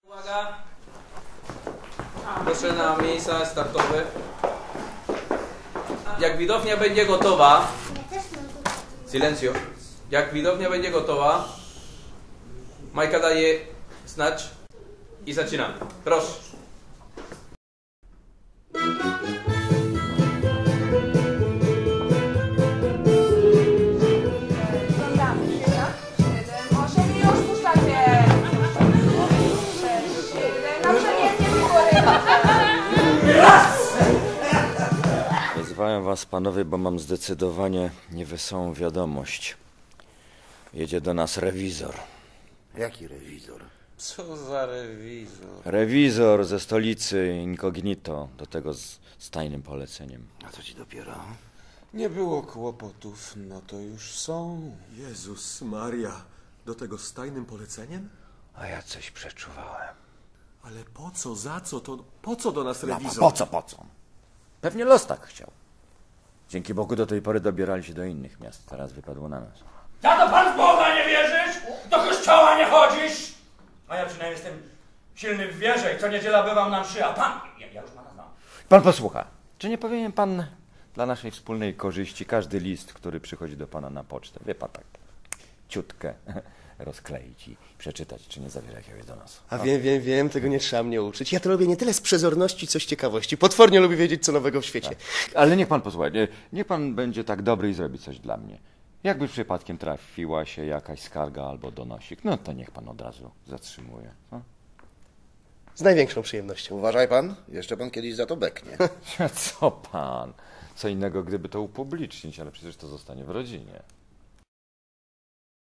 Uwaga! Proszę na miejsca startowe. Jak widownia będzie gotowa... Silencio. Jak widownia będzie gotowa, Majka daje znać i zaczynamy. Proszę. Wezwałem was, panowie, bo mam zdecydowanie niewesołą wiadomość. Jedzie do nas rewizor. Jaki rewizor? Co za rewizor? Rewizor ze stolicy, incognito, do tego z tajnym poleceniem. A co ci dopiero? Nie było kłopotów, no to już są. Jezus Maria, do tego z tajnym poleceniem? A ja coś przeczuwałem. Ale po co, za co, to po co do nas rewizor? Po co? Pewnie los tak chciał. Dzięki Bogu do tej pory dobierali się do innych miast. Teraz wypadło na nas. Za to pan w Boga nie wierzysz? Do kościoła nie chodzisz? A ja przynajmniej jestem silny w wierze i co niedziela bywam na mszy, a pan... Ja już pana znam. Pan posłucha. Czy nie powinien pan dla naszej wspólnej korzyści każdy list, który przychodzi do pana na pocztę, wie pan, tak ciutkę rozkleić i przeczytać, czy nie zawiera jakiegoś do nas? A wiem, tego nie trzeba mnie uczyć. Ja to robię nie tyle z przezorności, co z ciekawości. Potwornie lubię wiedzieć, co nowego w świecie. Ale niech pan posłucha, niech pan będzie tak dobry i zrobi coś dla mnie. Jakby przypadkiem trafiła się jakaś skarga albo donosik, no to niech pan od razu zatrzymuje. No? Z największą przyjemnością. Uważaj pan, jeszcze pan kiedyś za to beknie. Co pan? Co innego, gdyby to upublicznić, ale przecież to zostanie w rodzinie.